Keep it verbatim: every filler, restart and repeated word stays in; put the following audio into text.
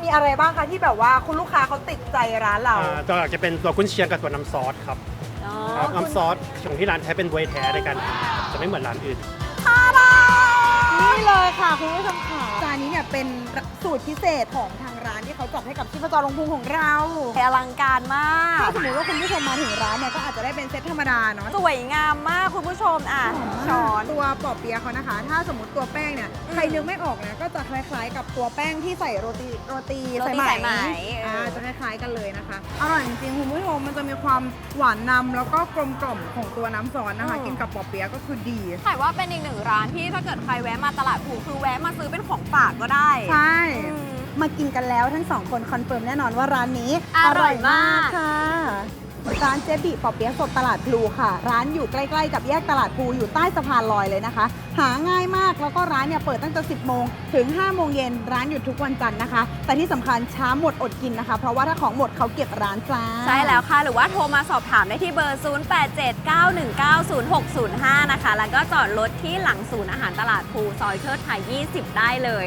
อะไรบ้างคะที่แบบว่าคุณลูกค้าเขาติดใจร้านเราอ่าตัวหลักจะเป็นตัวกุนเชียงกับตัวน้ำซอสครับอ๋อครับน้ำซอสของที่ร้านใช้เป็นบวยแท้ในการทำครับจะไม่เหมือนร้านอื่นนี่เลยค่ะคุณผู้ชมค่ะจานนี้เนี่ยเป็นสูตรพิเศษของทางร้านที่เขาจัดให้กับชีพจรลงพุงของเราอลังการมากถ้าสมมติว่าคุณผู้ชมมาถึงร้านเนี่ยก็อาจจะได้เป็นเซตธรรมดาเนาะสวยงามมากคุณผู้ชมอ่ะช้อนตัวปอเปี๊ยะเขานะคะ ถ้าสมมติตัวแป้งเนี่ยอืมใครนึกไม่ออกนะก็จะคล้ายๆ กับตัวแป้งที่ใส่โรตีโรตีโรตีสายไหมอ่าเออจะคล้ายๆกันเลยนะคะอร่อยจริงๆคุณผู้ชมมันจะมีความหวานนำแล้วก็กลมกล่อมของตัวน้ำซอสนะคะ กินกับปอเปี๊ยะก็คือดีถ่ายว่าเป็นอีกหนึ่งร้านที่ถ้าเกิดใครแวะมาตลาดภูคือแวะมาซื้อเป็นของฝากก็ได้ใช่อืมมากินกันแล้วทั้งสองคนคอนเฟิร์มแน่นอนว่าร้านนี้อร่อยมากค่ะร้านเจบิปอเปี๊ยะสดตลาดพลูค่ะ ร้านอยู่ใกล้ๆกับแยกตลาดพลูอยู่ใต้สะพานลอยเลยนะคะ หาง่ายมากแล้วก็ร้านเนี่ยเปิดตั้งแต่สิบโมงถึงห้าโมงเย็นร้านหยุดทุกวันจันทร์นะคะ แต่ที่สำคัญช้าหมดอดกินนะคะ เพราะว่าถ้าของหมดเขาเก็บร้านจ้าใช่แล้วค่ะ หรือว่าโทรมาสอบถามได้ที่เบอร์ ศูนย์ แปด เจ็ด เก้า หนึ่ง เก้า ศูนย์ หก ศูนย์ ห้า นะคะ แล้วก็จอดรถที่หลังศูนย์อาหารตลาดภูซอยเชิดไทย ยี่สิบ ได้เลย